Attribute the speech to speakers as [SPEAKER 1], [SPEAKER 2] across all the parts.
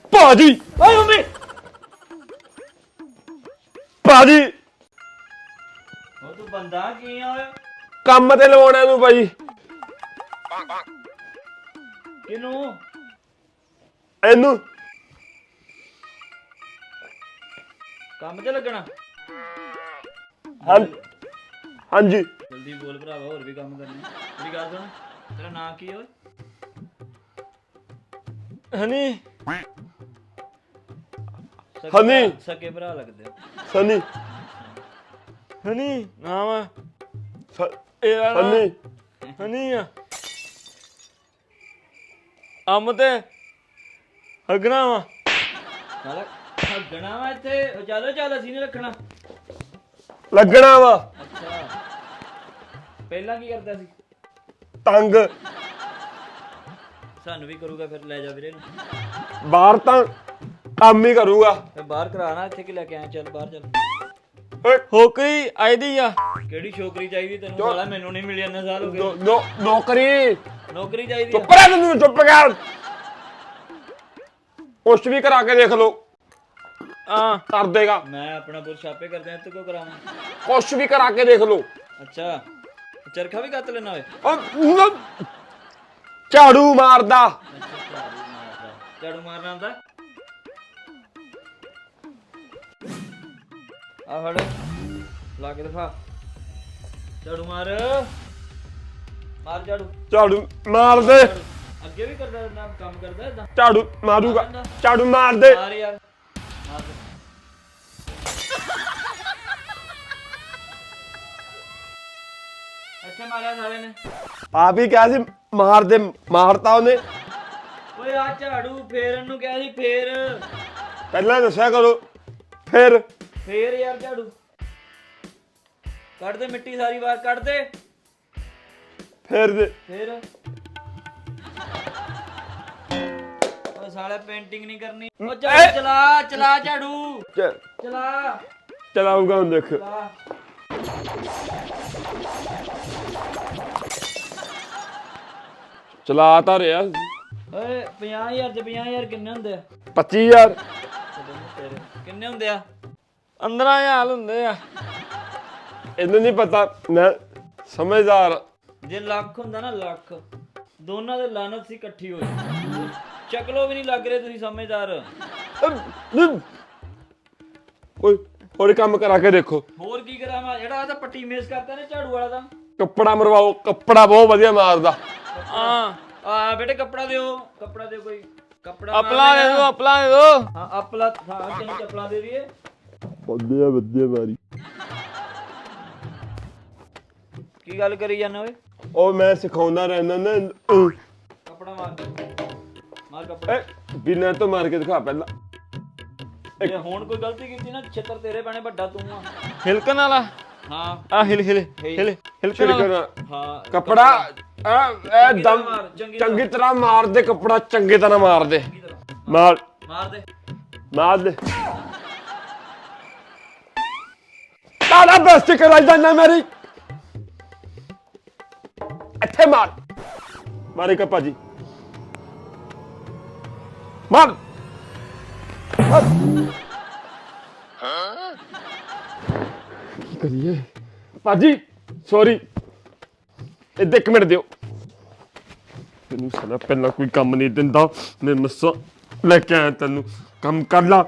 [SPEAKER 1] ਭਾਜੀ
[SPEAKER 2] ਓਏ ਮੰਮੀ
[SPEAKER 1] ਭਾਜੀ
[SPEAKER 2] ਉਹ ਤੂੰ ਬੰਦਾ ਕੀ ਆ ਓਏ
[SPEAKER 1] ਕੰਮ ਤੇ ਲਵਾਉਣਾ ਨੂੰ ਭਾਈ
[SPEAKER 2] ਕਿਨੂੰ
[SPEAKER 1] ਇਹਨੂੰ
[SPEAKER 2] ਕੰਮ ਤੇ ਲੱਗਣਾ
[SPEAKER 1] ਹਾਂਜੀ
[SPEAKER 2] ਜਲਦੀ ਬੋਲ ਭਰਾਵਾ ਹੋਰ ਵੀ ਕੰਮ ਕਰਨੇ ਮੇਰੀ ਗੱਲ ਸੁਣ ਤੇਰਾ ਨਾਂ ਕੀ ਓਏ
[SPEAKER 1] ਹਨੀ
[SPEAKER 2] ਸਕੇ ਭਰਾ ਲੱਗਦੇ ਆ।
[SPEAKER 1] ਸਨੀ
[SPEAKER 3] ਹਨੀ ਨਾਮ ਆ
[SPEAKER 1] ਹਨੀ
[SPEAKER 3] ਹਨੀ ਆ ਅੰਮ ਤੇ ਹਗਣਾ ਵਾ
[SPEAKER 2] ਸਾਲਾ ਹੱਗਣਾ ਵਾ ਇੱਥੇ ਉਹ ਚੱਲ ਅਸੀਂ ਨਹੀਂ ਰੱਖਣਾ
[SPEAKER 1] ਲੱਗਣਾ ਵਾ
[SPEAKER 2] ਅੱਛਾ ਪਹਿਲਾਂ ਕੀ ਕਰਦਾ ਸੀ
[SPEAKER 1] ਤੰਗ
[SPEAKER 2] ਸਾਨੂੰ ਵੀ ਕਰੂਗਾ ਫਿਰ ਲੈ ਜਾ ਵੀਰੇ ਨੂੰ
[SPEAKER 1] ਬਾਹਰ ਤਾਂ ਕੰਮ ਹੀ ਕਰੂਗਾ
[SPEAKER 2] ਫਿਰ ਬਾਹਰ ਕਰਾਣਾ ਇੱਥੇ ਕਿ ਲੈ ਕੇ ਆਇਆ ਚੱਲ ਬਾਹਰ ਚੱਲ
[SPEAKER 3] ਹੋਕਰੀ ਆਈਦੀ ਆ
[SPEAKER 2] ਕਿਹੜੀ ਛੋਕਰੀ ਚਾਹੀਦੀ ਤੈਨੂੰ ਸਾਲਾ ਮੈਨੂੰ ਨਹੀਂ ਮਿਲੀ ਇੰਨੇ ਸਾਲ ਹੋ ਗਏ
[SPEAKER 1] ਨੌਕਰੀ
[SPEAKER 2] ਨੌਕਰੀ ਚਾਹੀਦੀ
[SPEAKER 1] ਚੁੱਪ ਰਹਿ ਤੂੰ ਚੁੱਪ ਕਰ ਕੁਛ ਵੀ ਕਰਾ ਕੇ ਦੇਖ ਲੋ ਕਰ ਦੇਗਾ
[SPEAKER 2] ਮੈਂ ਆਪਣਾ ਪੁਰ ਛਾਪੇ ਕਰਦੇ ਇੱਥੇ ਕਿਉਂ ਕਰਾਵਾਂ
[SPEAKER 1] ਕੁਛ ਵੀ ਕਰਾ ਕੇ ਦੇਖ ਲੋ
[SPEAKER 2] ਅੱਛਾ ਚਰਖਾ ਵੀ ਕੱਤ ਲੈਣਾ ਓਏ
[SPEAKER 1] ਝਾੜੂ ਮਾਰਦਾ
[SPEAKER 2] ਝਾੜੂ ਮਾਰਨਾ ਆਉਂਦਾ ਆ ਫੜ ਲਾ ਕੇ ਦਿਖਾ ਝਾੜੂ ਮਾਰ
[SPEAKER 1] ਝਾੜੂ ਮਾਰ ਦੇ
[SPEAKER 2] ਅੱਗੇ ਵੀ ਕਰਦਾ ਨਾ ਕੰਮ ਕਰਦਾ ਇਦਾਂ
[SPEAKER 1] ਝਾੜੂ ਮਾਰੂਗਾ ਝਾੜੂ ਮਾਰ ਦੇ
[SPEAKER 2] ਮਾਰ ਯਾਰ ਮਾਰ ਦੇ ਇੱਥੇ ਮਾਰਿਆ ਸਾਲੇ ਨੇ
[SPEAKER 1] ਆਪ ਹੀ ਕਿਹਾ ਸੀ ਮਾਰ ਦੇ ਮਾਰਤਾ ਉਹਨੇ
[SPEAKER 2] ਓਏ ਆ ਝਾੜੂ ਫੇਰਨ ਨੂੰ ਕਿਹਾ ਸੀ ਫੇਰ
[SPEAKER 1] ਪਹਿਲਾਂ ਦੱਸਿਆ ਕਰੋ ਫਿਰ
[SPEAKER 2] ਯਾਰ ਝਾੜੂ ਕੱਢ ਦੇ ਮਿੱਟੀ ਸਾਰੀ ਬਾਹਰ ਕੱਢ ਦੇ
[SPEAKER 1] ਫਿਰ ਦੇ
[SPEAKER 2] ਫੇਰ ਓਏ ਸਾਲੇ ਪੇਂਟਿੰਗ ਨਹੀਂ ਕਰਨੀ ਓ ਝਾੜੂ ਚਲਾ ਝਾੜੂ ਚਲਾ
[SPEAKER 1] ਚਲਾਊਗਾ ਹੁਣ ਦੇਖ
[SPEAKER 2] ਚਲਾ
[SPEAKER 1] ਚਲਾ ਤਾਂ ਰਿਹਾ
[SPEAKER 2] ਓਏ 50000 ਤੇ 50000 ਕਿੰਨੇ ਹੁੰਦੇ ਆ
[SPEAKER 1] 25000
[SPEAKER 2] ਕਿੰਨੇ ਹੁੰਦੇ ਆ
[SPEAKER 3] 15000 ਹੁੰਦੇ ਆ
[SPEAKER 1] ਇਹਨੂੰ ਨਹੀਂ ਪਤਾ ਮੈਂ ਸਮਝਦਾਰ
[SPEAKER 2] ਜੇ ਲੱਖ ਹੁੰਦਾ ਨਾ ਲੱਖ ਦੋਨਾਂ ਦੇ ਲਾਨਤ ਸੀ ਇਕੱਠੀ ਹੋਈ ਚੱਕਲੋ ਵੀ ਨਹੀਂ ਲੱਗ ਰਹੇ ਤੁਸੀਂ ਸਮਝਦਾਰ
[SPEAKER 1] ਕੋਈ ਹੋਰ ਕੰਮ ਕਰਾ ਕੇ ਦੇਖੋ
[SPEAKER 2] ਹੋਰ ਕੀ ਕਰਾਂ ਮੈਂ ਜਿਹੜਾ ਇਹਦਾ ਪੱਟੀ ਮੇਸ ਕਰਤਾ ਨੇ ਝਾੜੂ ਵਾਲਾ ਦਾ
[SPEAKER 1] ਕੱਪੜਾ ਮਰਵਾਓ ਕੱਪੜਾ ਬਹੁਤ ਵਧੀਆ ਮਾਰਦਾ
[SPEAKER 2] ਆ ਬੇਟੇ ਕੱਪੜਾ ਦਿਓ ਕੋਈ ਕੱਪੜਾ
[SPEAKER 3] ਅਪਲਾ ਦੇ ਦੋ
[SPEAKER 2] ਹਾਂ ਅਪਲਾ ਹਾਂ ਤੈਨੂੰ ਚੱਪਲਾਂ ਦੇ ਦਈਏ
[SPEAKER 1] ਵਧੀਆ ਮਾਰੀ
[SPEAKER 2] ਕੀ ਗੱਲ ਕਰੀ ਜਾਂਦੇ ਓਏ
[SPEAKER 1] ਉਹ ਮੈਂ ਸਿਖਾਉਂਦਾ ਰਹਿੰਦਾ ਨਾ
[SPEAKER 2] ਕੱਪੜਾ ਮਾਰ ਕੱਪੜਾ
[SPEAKER 1] ਬਿਨਾਂ ਤੋਂ ਮਾਰ ਕੇ ਦਿਖਾ ਪਹਿਲਾਂ
[SPEAKER 2] ਜੇ ਹੁਣ ਕੋਈ ਗਲਤੀ ਕੀਤੀ ਨਾ ਛਿੱਤਰ ਤੇਰੇ ਪੈਣੇ ਵੱਡਾ ਤੂੰ ਆ
[SPEAKER 3] ਹਿਲਕਣ ਵਾਲਾ
[SPEAKER 2] ਹਾਂ
[SPEAKER 3] ਆ ਹਿਲਕਣ ਵਾਲਾ
[SPEAKER 2] ਹਾਂ
[SPEAKER 1] ਕੱਪੜਾ ਇਹ ਦਮ ਚੰਗੀ ਤਰ੍ਹਾਂ ਮਾਰ ਦੇ ਕੱਪੜਾ ਚੰਗੀ ਤਰ੍ਹਾਂ ਮਾਰ ਦੇ ਮਾਰ ਦੇ ਤਾਲਾ ਬਸਤੀ ਕਰਾਈ ਜਾਂਦਾ ਮੇਰੀ ਇੱਥੇ ਮਾਰੇ ਕਾ ਭਾਜੀ ਮਾਰ ਕੀ ਕਰੀਏ ਭਾਜੀ ਸੌਰੀ ਇੱਥੇ ਇੱਕ ਮਿੰਟ ਦਿਓ ਤੈਨੂੰ ਸਾਲਾ ਪਹਿਲਾਂ ਕੋਈ ਕੰਮ ਨਹੀਂ ਦਿੰਦਾ ਮੈਂ ਮੱਸਾ ਲੈ ਕੇ ਆਇਆ ਤੈਨੂੰ ਕੰਮ ਕਰ ਲਾ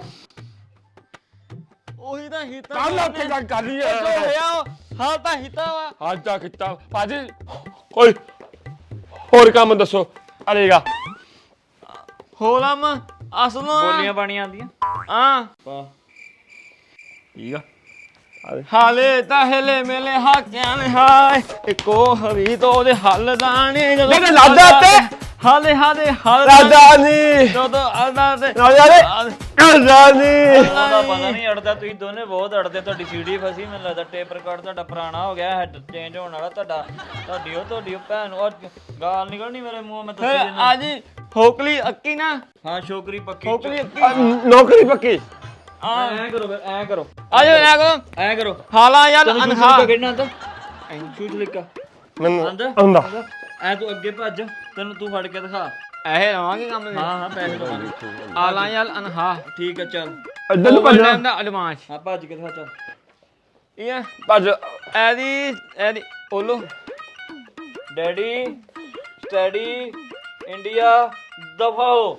[SPEAKER 3] ਉਹੀ ਤਾਂ ਹਿੱਤਾ
[SPEAKER 1] ਕਰ ਲਾ ਉੱਥੇ ਜਾ ਕਰ ਲਈ
[SPEAKER 3] ਹਾਲ ਤਾਂ ਹਿੱਤਾ ਵਾ
[SPEAKER 1] ਹਾਂ ਜਾ ਕੀਤਾ ਭਾਜੀ ਓਏ ਹੋਰ ਕੰਮ ਦੱਸੋ ਅਰੇਗਾ
[SPEAKER 3] ਹੋਲਮ ਅਸਲੋਂ
[SPEAKER 2] ਬੋਲੀਆਂ ਬਾਣੀਆਂ ਆਉਂਦੀਆਂ
[SPEAKER 3] ਆ
[SPEAKER 2] ਵਾਹ
[SPEAKER 1] ਠੀਕ ਆ
[SPEAKER 3] ਹਾਲੇ ਤਾਂ ਹਿਲੇ ਮੇਲੇ ਹਾਕਿਆਂ ਨੇ ਹਾਏ ਇੱਕੋ ਹਰੀ ਤੋਂ ਉਹਦੇ ਹੱਲ ਦਾਣੇ ਜਦੋਂ
[SPEAKER 1] ਲਾਦਾ ਤੇ
[SPEAKER 3] ਹਾਲੇ ਹੱਲ
[SPEAKER 1] ਰਾਜਾਨੀ
[SPEAKER 3] ਜਦੋਂ ਆਦਾ ਤੇ
[SPEAKER 1] ਰਾਜਾਨੀ
[SPEAKER 2] ਉਹਦਾ ਪਤਾ ਨਹੀਂ ਅੜਦਾ ਤੁਸੀਂ ਦੋਨੇ ਬਹੁਤ ਅੜਦੇ ਤੁਹਾਡੀ ਸੀਡੀ ਫਸੀ ਮੈਨੂੰ ਲੱਗਦਾ ਟੇਪ ਰਿਕਾਰਡ ਤੁਹਾਡਾ ਪੁਰਾਣਾ ਹੋ ਗਿਆ ਹੈਡ ਚੇਂਜ ਹੋਣ ਵਾਲਾ ਤੁਹਾਡੀ ਉਹ ਭੈਣ ਉਹ ਗਾਲ ਨਿਕਲਣੀ ਮੇਰੇ ਮੂੰਹੋਂ ਮੈਂ ਦੱਸੀ ਜਨਾ
[SPEAKER 3] ਅੱਜ ਹੋਕਲੀ ਅੱਕੀ ਨਾ
[SPEAKER 2] ਹਾਂ ਛੋਕਰੀ ਪੱਕੀ
[SPEAKER 3] ਹੋਕਲੀ ਅੱਕੀ
[SPEAKER 1] ਨੌਕਰੀ ਪੱਕੀ
[SPEAKER 2] ਐ ਕਰੋ ਫਿਰ ਐ ਕਰੋ
[SPEAKER 3] ਆਜੋ
[SPEAKER 2] ਕਰੋ
[SPEAKER 3] ਹਾਲਾ ਯਾਰ ਅਨਹਾ
[SPEAKER 2] ਕਿਹੜਾ ਤਾਂ ਸ਼ੂਟ ਲਿਕਾ
[SPEAKER 1] ਮੈਨੂੰ
[SPEAKER 2] ਆਂਦਾ
[SPEAKER 1] ਆਉਂਦਾ
[SPEAKER 2] ਐ ਤੂੰ ਅੱਗੇ ਭੱਜ ਤੈਨੂੰ ਤੂੰ ਫੜ ਕੇ ਦਿਖਾ
[SPEAKER 3] ਇਹ ਲਵਾਂਗੇ ਕੰਮ ਦੇ
[SPEAKER 2] ਹਾਂ ਪੈਸੇ ਲਵਾਂਗੇ
[SPEAKER 3] ਆਲਾ ਯਾਲ ਅਨਹਾ
[SPEAKER 2] ਠੀਕ ਹੈ ਚੱਲ
[SPEAKER 1] ਇੱਧਰ ਨੂੰ ਭੱਜਣਾ
[SPEAKER 3] ਦਾ ਐਡਵਾਂਸ
[SPEAKER 2] ਹਾਂ ਭੱਜ ਕੇ ਦਿਖਾ ਚੱਲ
[SPEAKER 3] ਇਹ
[SPEAKER 1] ਭੱਜ
[SPEAKER 3] ਇਹਦੀ ਓਲੋ
[SPEAKER 2] ਡੈਡੀ ਸਟੱਡੀ ਇੰਡੀਆ ਦਫਾ ਹੋ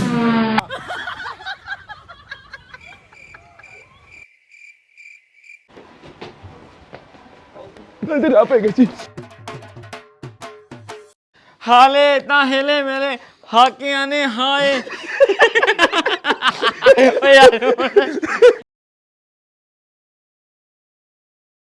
[SPEAKER 1] ਇੱਧਰ ਆ ਪੈ ਗਈ ਸੀ
[SPEAKER 3] ਹਾਲੇ ਤਾਂ ਹਿਲੇ ਮੇਰੇ ਹਾਕਿਆਂ ਨੇ ਹਾਏ ਓ ਯਾਰ